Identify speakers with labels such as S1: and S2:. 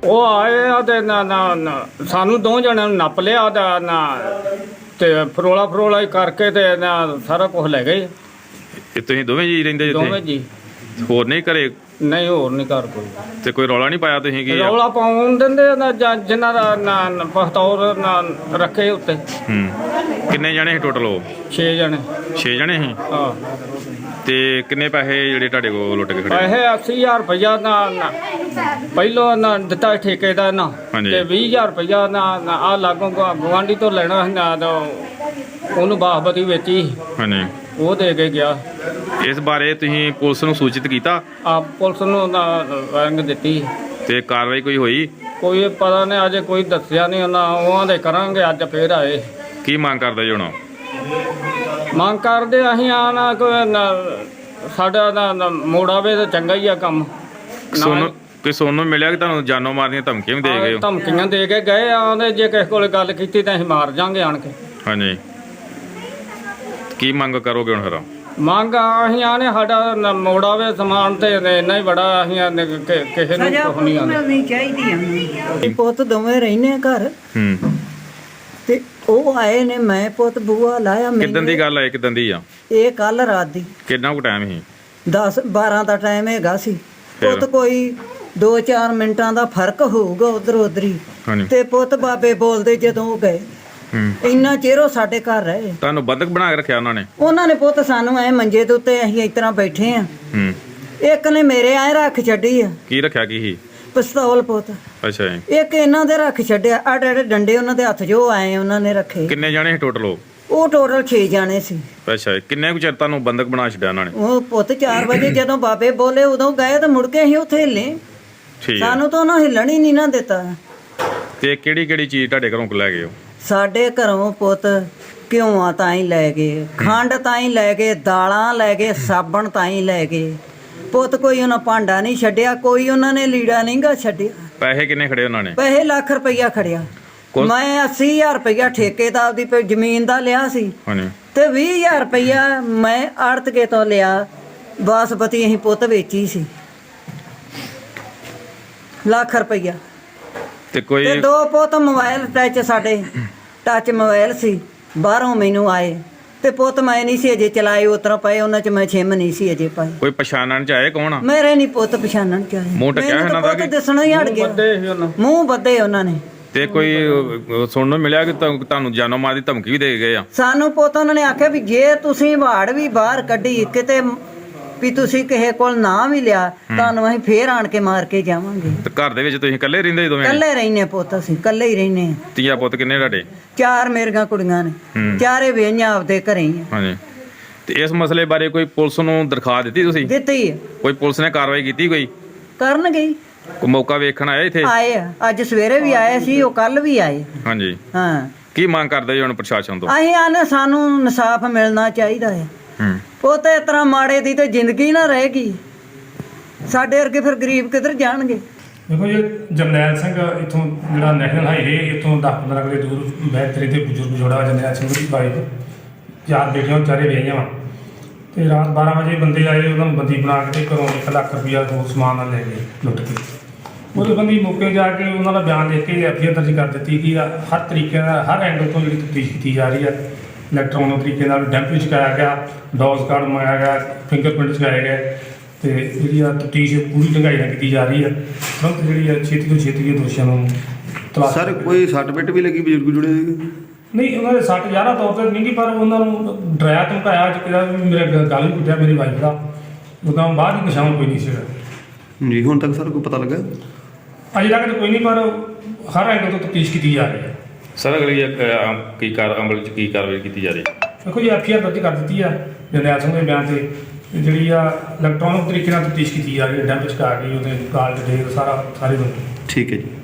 S1: ਉਹ ਆਏ ਆ ਤੇ ਸਾਨੂੰ ਦੋ ਜਣਿਆਂ ਨੂੰ ਨੱਪ ਲਿਆ ਤੇ ਫਰੋਲਾ ਹੀ ਕਰਕੇ ਤੇ ਸਾਰਾ ਕੁਝ ਲੈ ਗਏ।
S2: ਇਹ ਤੁਸੀਂ ਦੋਵੇਂ ਜੀ ਰਹਿੰਦੇ
S1: ਦੋਵੇਂ
S2: ਜਿੱਥੇ?
S1: ਜੀ।
S2: ਹੋਰ ਨਹੀਂ ਘਰੇ?
S1: ਨਹੀਂ, ਹੋਰ ਨਹੀਂ ਘਰ ਕੋਈ।
S2: ਤੇ ਕੋਈ ਰੌਲਾ ਨਹੀਂ ਪਾਇਆ ਤੁਸੀਂ ਕੀ?
S1: ਰੌਲਾ ਪਾਉਣ ਦਿੰਦੇ ਜਿਨ੍ਹਾਂ ਦਾ ਪਖਤੌਰ ਰੱਖੇ ਉੱਤੇ।
S2: ਕਿੰਨੇ ਜਣੇ ਸੀ ਟੋਟਲ? ਉਹ
S1: 6 ਜਣੇ।
S2: 6 ਜਣੇ ਸੀ।
S1: ਹਾਂ।
S2: ਤੇ ਕਿੰਨੇ ਪੈਸੇ ਜਿਹੜੇ ਤੁਹਾਡੇ ਕੋਲ ਲੁੱਟ ਕੇ ਖੜੇ?
S1: ਪੈਸੇ 80,000 ਰੁਪਇਆ ਪਹਿਲੋਂ ਦਿੱਤਾ ਠੇਕੇ ਦਾ ਤੇ 20,000 ਰੁਪਇਆ ਆ ਲਾਗੋਂ ਗੁਆਂਢੀ ਤੋਂ ਲੈਣਾ ਉਹਨੂੰ ਬਾਸਪਤੀ ਵੇਚੀ।
S2: ਹਾਂਜੀ।
S1: ਉਹ ਦੇ ਕੇ ਗਿਆ।
S2: ਇਸ ਬਾਰੇ ਤੁਸੀਂ ਪੁਲਿਸ ਨੂੰ ਸੂਚਿਤ ਕੀਤਾ?
S1: ਆ ਪੁਲਿਸ ਨੂੰ ਰੰਗ ਦਿੱਤੀ।
S2: ਤੇ ਕਾਰਵਾਈ ਕੋਈ ਹੋਈ?
S1: ਕੋਈ ਪਤਾ ਨਹੀਂ, ਅਜੇ ਕੋਈ ਦੱਸਿਆ ਨਹੀਂ। ਉਹਨਾਂ ਦੇ ਕਰਾਂਗੇ, ਅੱਜ ਫੇਰ ਆਏ।
S2: ਕੀ ਮੰਗ ਕਰਦੇ ਜੀ ਹੁਣ?
S1: ਮੰਗ ਕਰਦੇ ਅਸੀਂ ਸਾਡਾ ਮੋੜਾਵੇ ਤਾਂ ਚੰਗਾ ਹੀ ਆ ਕੰਮ।
S2: ਸੋਨੂੰ ਮਿਲਿਆ ਕਿ ਤੁਹਾਨੂੰ ਜਾਨੋਂ ਮਾਰਨ ਦੀਆਂ ਧਮਕੀਆਂ ਵੀ ਦੇ ਗਏ?
S1: ਧਮਕੀਆਂ ਦੇ ਕੇ ਗਏ ਆ। ਜੇ ਕਿਸੇ ਕੋਲ ਗੱਲ ਕੀਤੀ ਤਾਂ ਅਸੀਂ ਮਾਰ ਜਾਾਂਗੇ ਆਣ ਕੇ।
S2: ਹਾਂਜੀ। ਕੀ ਮੰਗ ਕਰੋਗੇ ਹੁਣ ਫਿਰ?
S1: ਮੰਗ ਅਸੀਂ ਆਨੇ ਸਾਡਾ ਮੋੜਾਵੇ ਸਮਾਨ ਤੇ ਇੰਨਾ ਹੀ ਬੜਾ। ਅਸੀਂ ਕਿਸੇ ਨੂੰ ਕੁਝ ਨਹੀਂ ਆਉਂਦੀ
S3: ਚਾਹੀਦੀ। ਪੁੱਤ ਦੋਵੇਂ ਰਹਿੰਦੇ ਘਰ ਤੇ ਉਹ ਆਏ ਨੇ। ਮੈਂ ਪੁੱਤ ਬੂਆ ਲਾਇਆ।
S2: ਕਿੱਦਾਂ ਦੀ ਗੱਲ ਹੈ? ਕਿੱਦਾਂ ਦੀ ਆ
S3: ਇਹ? ਕੱਲ ਰਾਤ ਦੀ।
S2: ਕਿੰਨਾ ਕੁ ਟਾਈਮ ਸੀ?
S3: 10-12 ਦਾ ਟਾਈਮ ਹੈਗਾ ਸੀ। ਪੁੱਤ ਕੋਈ 2-4 ਮਿੰਟਾਂ ਦਾ ਫਰਕ ਹੋਊਗਾ ਉਧਰ ਉਧਰੀ। ਤੇ ਪੁੱਤ ਬਾਬੇ ਬੋਲਦੇ ਜਦੋਂ ਉਹ ਗਏ, ਇੰਨਾ ਚਿਰ ਉਹ ਸਾਡੇ ਘਰ ਰਹੇ।
S2: ਤੁਹਾਨੂੰ ਬੰਦਕ ਬਣਾ ਕੇ ਰੱਖਿਆ ਉਹਨਾਂ ਨੇ?
S3: ਉਹਨਾਂ ਨੇ ਪੁੱਤ ਸਾਨੂੰ ਐ ਮੰਜੇ ਦੇ ਉੱਤੇ ਅਸੀਂ ਇਸ ਤਰ੍ਹਾਂ ਬੈਠੇ ਆ। ਇੱਕ ਨੇ ਮੇਰੇ ਐ ਰੱਖ ਛੱਡੀ ਆ।
S2: ਕੀ ਰੱਖਿਆ? ਕੀ ਸੀ?
S3: ਪਿਸਤੌਲ ਪੁੱਤ।
S2: ਅੱਛਾ ਜੀ।
S3: ਇੱਕ ਇਹਨਾਂ ਦੇ ਰੱਖ ਛੱਡਿਆ। ਆੜੇ ਡੰਡੇ ਉਹਨਾਂ ਦੇ ਹੱਥ ਜੋ ਆਏ ਉਹਨਾਂ ਨੇ ਰੱਖੇ।
S2: ਕਿੰਨੇ ਜਾਣੇ ਸੀ ਟੋਟਲ?
S3: ਉਹ ਟੋਟਲ 6 ਜਾਣੇ ਸੀ।
S2: ਅੱਛਾ। ਕਿੰਨੇ ਕੁ ਚਿਰ ਤੁਹਾਨੂੰ ਬੰਦਕ ਬਣਾ ਛੱਡਿਆ ਉਹਨਾਂ ਨੇ?
S3: ਉਹ ਪੁੱਤ 4 ਵਜੇ ਜਦੋਂ ਬਾਬੇ ਬੋਲੇ ਉਦੋਂ ਗਏ ਤੇ ਮੁੜ ਕੇ ਅਸੀਂ ਉੱਥੇ ਹਿੱਲੇ।
S2: ਠੀਕ।
S3: ਸਾਨੂੰ ਤਾਂ ਉਹਨਾਂ ਹਿੱਲਣ ਹੀ ਨਹੀਂ ਨਾ ਦਿੱਤਾ।
S2: ਤੇ ਕਿਹੜੀ ਚੀਜ਼ ਤੁਹਾਡੇ ਘਰੋਂ ਲੈ ਗਏ?
S3: ਸਾਡੇ ਘਰੋਂ ਪੁੱਤ ਘਿਓਆਂ ਤਾਂ ਹੀ ਲੈ ਗਏ, ਖੰਡ ਤਾਂ ਹੀ ਲੈ ਗਏ, ਦਾਲਾਂ ਲੈ ਗਏ, ਸਾਬਣ ਤਾਂ ਹੀ ਲੈ ਗਏ। ਪੁੱਤ ਕੋਈ ਉਹਨਾਂ ਭਾਂਡਾ ਨਹੀਂ ਛੱਡਿਆ, ਕੋਈ ਉਹਨਾਂ ਨੇ ਲੀੜਾ ਨਹੀਂ ਗਾ ਛੱਡਿਆ।
S2: ਪੈਸੇ ਕਿੰਨੇ ਖੜੇ ਉਹਨਾਂ ਨੇ?
S3: ਪੈਸੇ ਲੱਖ ਰੁਪਈਆ ਖੜਿਆ। ਮੈਂ 80,000 ਰੁਪਈਆ ਠੇਕੇ ਦਾ ਆਪਦੀ ਜ਼ਮੀਨ ਦਾ ਲਿਆ ਸੀ ਤੇ 20,000 ਰੁਪਈਆ ਮੈਂ ਆੜਤਕੇ ਤੋਂ ਲਿਆ। ਬਾਸਪਤੀ ਅਸੀਂ ਪੁੱਤ ਵੇਚੀ ਸੀ। ਲੱਖ ਰੁਪਈਆ
S2: ਤੇ ਕੋਈ
S3: 2 ਪੁੱਤ ਮੋਬਾਈਲ ਸਾਡੇ ਟੱਚ ਮੋਬਾਈਲ ਸੀ। ਬਾਹਰੋਂ ਮੈਨੂੰ ਆਏ ਤੇ ਪੁੱਤ ਮੈਂ ਨਹੀਂ ਸੀ ਅਜੇ ਚਲਾਏ। ਉਤਰਾ ਪਏ ਉਹਨਾਂ ਚ ਮੈਂ ਛਿਮ ਨਹੀਂ ਸੀ ਅਜੇ ਪਾਈ।
S2: ਕੋਈ ਪਛਾਣਨ ਚ ਆਏ? ਕੌਣ ਆ?
S3: ਮੇਰੇ ਨਹੀਂ ਪੁੱਤ ਪਛਾਣਨ ਚ ਆਏ।
S2: ਮੂੰਹ ਟਕਿਆ ਇਹਨਾਂ ਦਾ ਕਿ
S3: ਦੱਸਣਾ ਹੀ ਹਟ ਗਿਆ। ਮੂੰਹ ਬੱਦੇ ਉਹਨਾਂ ਨੇ।
S2: ਤੇ ਕੋਈ ਸੁਣਨ ਨੂੰ ਮਿਲਿਆ ਕਿ ਤੁਹਾਨੂੰ ਜਾਨੋਂ ਮਾਰ ਦੀ ਧਮਕੀ ਵੀ ਦੇ ਗਏ ਆ?
S3: ਸਾਨੂੰ ਪੁੱਤ ਉਹਨਾਂ ਨੇ ਆਖਿਆ ਵੀ ਜੇ ਤੁਸੀਂ ਵਾੜ ਵੀ ਬਾਹਰ ਕੱਢੀ ਕਿਤੇ ਵੀ ਤੁਸੀਂ ਕਿਸੇ ਕੋਲ ਨਾ ਵੀ ਲਿਆ ਤੁਹਾਨੂੰ ਅਸੀਂ ਫੇਰ ਆਣ ਕੇ ਮਾਰ ਕੇ ਜਾਵਾਂਗੇ।
S2: ਤੇ ਘਰ ਦੇ ਵਿੱਚ ਤੁਸੀਂ ਇਕੱਲੇ ਰਹਿੰਦੇ? ਦੋਵੇਂ
S3: ਇਕੱਲੇ ਰਹਿੰਦੇ ਪੁੱਤ। ਅਸੀਂ ਇਕੱਲੇ ਹੀ ਰਹਿੰਦੇ ਆ।
S2: ਧੀਆ ਪੁੱਤ ਕਿੰਨੇ ਤੁਹਾਡੇ?
S3: 4 ਮੇਰੀਆਂ ਕੁੜੀਆਂ ਨੇ। ਚਾਰੇ ਵਿਆਹੀਆਂ ਆਪਦੇ ਘਰੇ ਹੀ ਆ।
S2: ਹਾਂਜੀ। ਤੇ ਇਸ ਮਸਲੇ ਬਾਰੇ ਕੋਈ ਪੁਲਿਸ ਨੂੰ ਦਰਖਾਸਤ ਦਿੱਤੀ ਤੁਸੀਂ?
S3: ਦਿੱਤੀ।
S2: ਕੋਈ ਪੁਲਿਸ ਨੇ ਕਾਰਵਾਈ ਕੀਤੀ? ਕੋਈ
S3: ਕਰਨਗੇ।
S2: ਕੋਈ ਮੌਕਾ ਵੇਖਣ ਆਇਆ ਇੱਥੇ?
S3: ਆਏ ਆ। ਅੱਜ ਸਵੇਰੇ ਵੀ ਆਏ ਸੀ, ਉਹ ਕੱਲ ਵੀ ਆਏ।
S2: ਹਾਂਜੀ।
S3: ਹਾਂ।
S2: ਕੀ ਮੰਗ ਕਰਦੇ ਜੀ ਹੁਣ ਪ੍ਰਸ਼ਾਸਨ ਤੋਂ?
S3: ਅਸੀਂ ਆਨੇ ਸਾਨੂੰ ਇਨਸਾਫ ਮਿਲਣਾ ਚਾਹੀਦਾ ਹੈ। ਉਹ ਤੇ ਇਸ ਤਰ੍ਹਾਂ ਮਾੜੇ ਦੀ ਤੇ ਜ਼ਿੰਦਗੀ ਨਾ ਰਹੇਗੀ। ਸਾਡੇ ਵਰਗੇ ਫਿਰ ਗਰੀਬ ਕਿੱਧਰ ਜਾਣਗੇ?
S4: ਦੇਖੋ ਜੀ, ਜਰਨੈਲ ਸਿੰਘ ਇੱਥੋਂ ਜਿਹੜਾ ਨੈਸ਼ਨਲ ਹਾਈਵੇ ਇੱਥੋਂ 10-15 ਕਿਲੇ ਦੂਰ ਬੈਤਰੀ ਦੇ ਬਜ਼ੁਰਗ ਜੋੜਾ ਜਰਨੈਲ ਸਿੰਘ ਦੀ ਵਾਈਫ 4 ਬੇਟੀਆਂ ਵਿਚਾਰੇ ਵਿਆਹੀਆਂ ਵਾ। ਤੇ ਰਾਤ 12 ਵਜੇ ਬੰਦੇ ਆਏ, ਉਹਨਾਂ ਨੂੰ ਬੰਦੀ ਬਣਾ ਕੇ ਘਰੋਂ 1 ਲੱਖ ਰੁਪਈਆ ਹੋਰ ਸਮਾਨ ਨਾਲ ਲੈ ਗਏ ਲੁੱਟ ਕੇ। ਉਹਦੇ ਬੰਦੀ ਮੌਕੇ ਜਾ ਕੇ ਉਹਨਾਂ ਦਾ ਬਿਆਨ ਦੇ ਕੇ ਐਫਆਈਆਰ ਦਰਜ ਕਰ ਦਿੱਤੀ ਕਿ ਹਰ ਤਰੀਕੇ ਨਾਲ ਹਰ ਐਂਗਲ ਤੋਂ ਜਿਹੜੀ ਤਫਤੀਸ਼ ਕੀਤੀ ਜਾ ਰਹੀ ਹੈ। ਇਲੈਕਟ੍ਰੋਨਿਕ ਤਰੀਕੇ ਨਾਲ ਡੈਂਪ ਚੁਕਾਇਆ ਗਿਆ, ਡੌਸ ਕਾਰਡ ਮੰਗਾਇਆ ਗਿਆ, ਫਿੰਗਰਪ੍ਰਿੰਟ ਚੁਕਾਏ ਗਏ ਤੇ ਜਿਹੜੀ ਆ ਤਫਤੀਸ਼ ਪੂਰੀ ਢੰਗਾਈ ਨਾਲ ਕੀਤੀ ਜਾ ਰਹੀ ਹੈ। ਤੁਰੰਤ ਜਿਹੜੀ ਆ ਛੇਤੀ ਤੋਂ ਛੇਤੀ ਦੋਸ਼ੀਆਂ ਨੂੰ ਤਲਾਸ਼।
S5: ਸਰ ਕੋਈ ਸੱਟ ਪਿੱਟ ਵੀ ਲੱਗੀ ਬਜ਼ੁਰਗ ਜੁੜੇ ਸੀਗੇ?
S4: ਨਹੀਂ, ਉਹਨਾਂ ਦੇ ਸੱਟ ਜ਼ਿਆਦਾ ਤੌਰ 'ਤੇ ਨਹੀਂ ਗੀ, ਪਰ ਉਹਨਾਂ ਨੂੰ ਡਰਾਇਆ ਧਮਕਾਇਆ ਅੱਜ ਕਿਹਾ ਵੀ ਮੇਰੇ ਗੱਲ ਵੀ ਕੁੱਟਿਆ ਮੇਰੀ ਵਾਈਫ ਦਾ। ਉਹਦਾ ਬਾਅਦ ਹੀ ਨਿਸ਼ਾਨ ਕੋਈ ਨਹੀਂ ਸੀਗਾ
S5: ਜੀ। ਹੁਣ ਤੱਕ ਸਰ ਕੋਈ ਪਤਾ ਲੱਗਾ?
S4: ਅਜੇ ਤੱਕ ਤਾਂ ਕੋਈ ਨਹੀਂ, ਪਰ ਹਰ ਐਂਗਲ ਤੋਂ ਤਫਤੀਸ਼ ਕੀਤੀ ਜਾ ਰਹੀ ਹੈ।
S2: ਸਰ ਅਗਲੀ ਅਮਲ ਚ ਕੀ ਕਾਰਵਾਈ ਕੀਤੀ ਜਾ ਰਹੀ ਹੈ?
S4: ਦੇਖੋ ਜੀ, ਐਫਆਈਆਰ ਦਰਜ ਕਰ ਦਿੱਤੀ ਆ ਜਰਨੈਲ ਸਿੰਘ ਦੇ ਬਿਆਨ ਤੇ। ਜਿਹੜੀ ਆ ਇਲੈਕਟ੍ਰੋਨਿਕ ਤਰੀਕੇ ਨਾਲ ਤਫਤੀਸ਼ ਕੀਤੀ ਜਾ ਰਹੀ ਹੈ। ਡੈਂਪ ਚੁਕਾ ਕੇ ਉਹਦੇ ਕਾਲ ਡਿਟੇਲ ਸਾਰੇ
S5: ਠੀਕ ਹੈ ਜੀ।